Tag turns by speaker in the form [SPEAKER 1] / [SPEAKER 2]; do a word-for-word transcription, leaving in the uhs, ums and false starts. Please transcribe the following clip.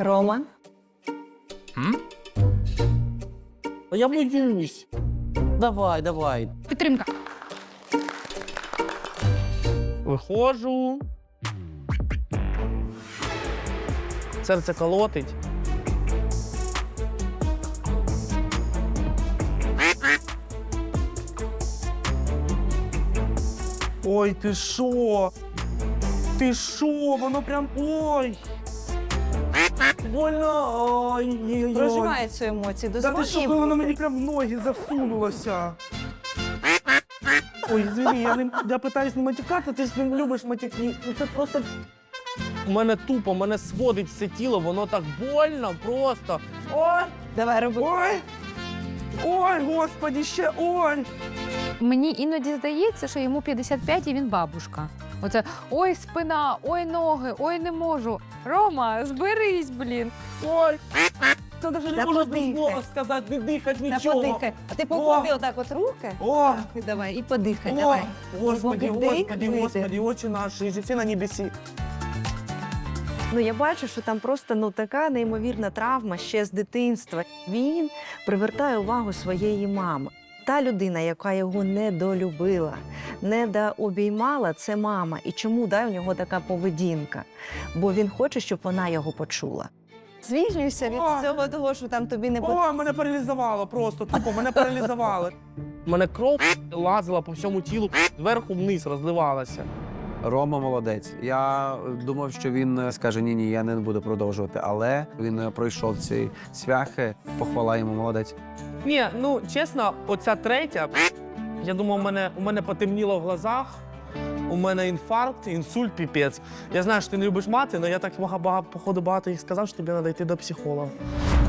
[SPEAKER 1] Рома?
[SPEAKER 2] М?
[SPEAKER 3] Я боюсь. Давай, давай.
[SPEAKER 4] Підтримка.
[SPEAKER 3] Виходжу. Серце колотить. Ой, ти що? Ти що? Воно прям... Ой! Больно! Ой, ой, ой.
[SPEAKER 1] Проживає цю емоцію.
[SPEAKER 3] Та ти
[SPEAKER 1] Дозволь
[SPEAKER 3] що,
[SPEAKER 1] їй
[SPEAKER 3] коли воно
[SPEAKER 1] бути.
[SPEAKER 3] мені прям в ноги засунулося? Ой, извини, я, не, я питаюсь не матюкатися, ти ж не любиш матюки. Ну це просто... У мене тупо, мене сводить все тіло, воно так больно просто. Ой!
[SPEAKER 1] Давай, роби.
[SPEAKER 3] Ой! Ой, господи, ще ой!
[SPEAKER 4] Мені іноді здається, що йому п'ятдесят п'ять і він бабушка. Оце ой, спина, ой, ноги, ой, не можу. Рома, зберись, блін.
[SPEAKER 3] Ой! Це навіть
[SPEAKER 1] Та
[SPEAKER 3] не можна
[SPEAKER 1] подихай.
[SPEAKER 3] слова сказати, не дихати,
[SPEAKER 1] Та
[SPEAKER 3] нічого.
[SPEAKER 1] подихай. А ти поклади отак от руки.
[SPEAKER 3] О!
[SPEAKER 1] І давай, і подихай,
[SPEAKER 3] О!
[SPEAKER 1] давай.
[SPEAKER 3] Господи,
[SPEAKER 1] Вдих,
[SPEAKER 3] Господи,
[SPEAKER 1] видих.
[SPEAKER 3] Господи, очі наші, і життя на небесі.
[SPEAKER 1] Ну, я бачу, що там просто ну, така неймовірна травма ще з дитинства. Він привертає увагу своєї мами. Та людина, яка його недолюбила, недообіймала, це мама. І чому да, у нього така поведінка? Бо він хоче, щоб вона його почула. Звільнюйся від
[SPEAKER 3] О!
[SPEAKER 1] цього того, що там тобі не потрібно.
[SPEAKER 3] О, мене паралізувало просто, тупо, мене паралізувало. У мене кров лазила по всьому тілу, зверху вниз розливалася.
[SPEAKER 2] Рома молодець. Я думав, що він скаже ні-ні, я не буду продовжувати, але він пройшов ці цвяхи, похвала йому, молодець.
[SPEAKER 3] Ні, ну чесно, оця третя, я думав, у мене, у мене потемніло в глазах, у мене інфаркт, інсульт, піпець. Я знаю, що ти не любиш мати, але я так багато, походу багато їх сказав, що тобі треба йти до психолога.